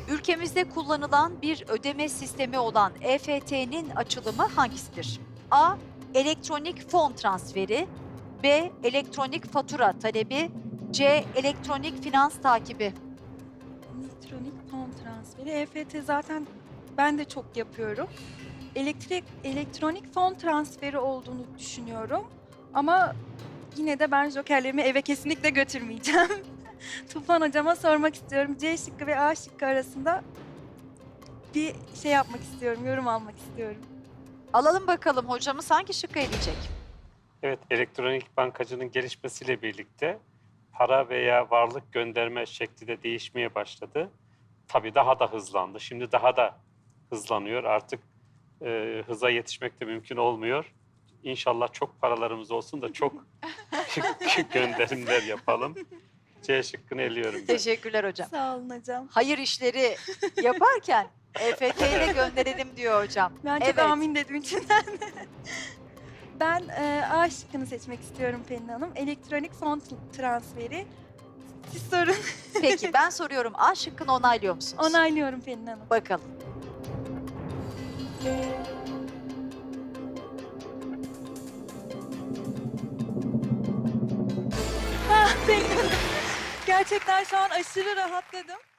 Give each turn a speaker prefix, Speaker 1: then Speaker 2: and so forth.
Speaker 1: Ülkemizde kullanılan bir ödeme sistemi olan EFT'nin açılımı hangisidir? A. Elektronik fon transferi. B. Elektronik fatura talebi. C. Elektronik finans takibi.
Speaker 2: Elektronik fon transferi. EFT zaten ben de çok yapıyorum. Elektronik fon transferi olduğunu düşünüyorum. Ama yine de ben jokerlerimi eve kesinlikle götürmeyeceğim. Tufan hocama sormak istiyorum. C şıkkı ve A şıkkı arasında bir şey yapmak istiyorum, yorum almak istiyorum.
Speaker 1: Alalım bakalım hocamız hangi şıkkı eleyecek?
Speaker 3: Evet, elektronik bankacının gelişmesiyle birlikte para veya varlık gönderme şekli de değişmeye başladı. Tabii daha da hızlandı. Şimdi daha da hızlanıyor. Artık hıza yetişmek de mümkün olmuyor. İnşallah çok paralarımız olsun da çok gönderimler yapalım. C şıkkını eliyorum ben.
Speaker 1: Teşekkürler hocam.
Speaker 2: Sağ olun hocam.
Speaker 1: Hayır işleri yaparken EFT ile gönderelim diyor hocam.
Speaker 2: Ben çok
Speaker 1: Evet.
Speaker 2: amin dedim içinden. Ben A şıkkını seçmek istiyorum Pelin Hanım. Elektronik fon transferi. Siz sorun.
Speaker 1: Peki ben soruyorum. A şıkkını onaylıyor musunuz?
Speaker 2: Onaylıyorum Pelin Hanım.
Speaker 1: Bakalım.
Speaker 2: Pelin Hanım. Gerçekten şu an aşırı rahatladım.